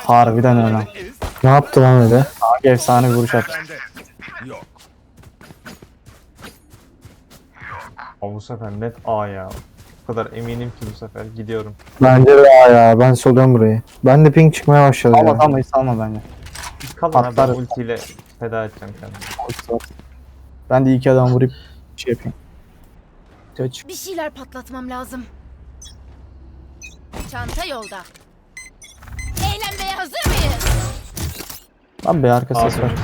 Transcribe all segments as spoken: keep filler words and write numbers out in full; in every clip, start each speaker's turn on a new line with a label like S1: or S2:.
S1: Harbiden öyle.
S2: Ne yaptı lan öyle?
S1: Abi efsane bir vuruş attı.
S3: Yok.
S4: Ama bu sefer net A ya. O kadar eminim ki bu sefer gidiyorum.
S2: Bence de ya, ya ben soruyorum burayı. Ben de ping çıkmaya başladı
S1: Ama
S2: ya.
S1: tamam hiç salma bence.
S4: Bir kalın abi, ben
S1: Patlar.
S4: ultiyle feda edeceğim kendimi.
S1: Ben de iki adam vurup şey yapayım. Kaç.
S5: Bir şeyler patlatmam lazım. Çanta yolda. Eğlenmeye hazır mıyız?
S1: Lan be arka ses
S4: Abi.
S1: var.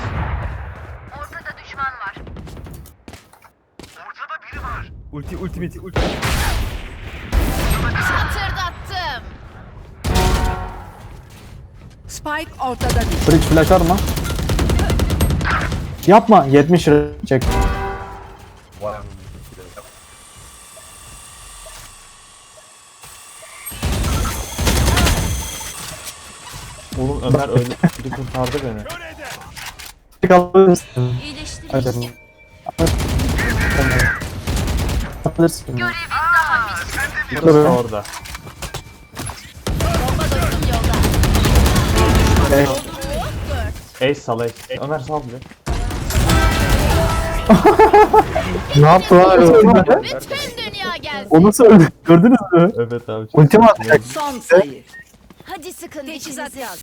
S3: Ulti ultimate ulti.
S5: Çatırdattım.
S6: Spike ortada düştü.
S1: Bridge flash var mı? Yapma. yetmiş lira çek.
S3: Vay.
S4: Oğlum Ömer öyle biri kurtardı beni.
S1: Çek alırsın.
S5: İyileştirici.
S1: Hadi. Alırsın.
S4: Burası da orada.
S5: Bomba dostum yolda.
S1: Evet.
S4: Ace sal Ace. Ömer sal bile.
S2: Ne yaptı lan öyle?
S5: Bütün dünya gelsin.
S1: O nasıl öldü? Gördünüz mü?
S4: Evet abi. çok
S2: Ulti mi
S4: saçma
S2: atacak?
S4: oldu.
S6: Son sayı.
S5: Hadi sıkın
S6: Teçhizat
S5: dişinizi.
S6: yaz.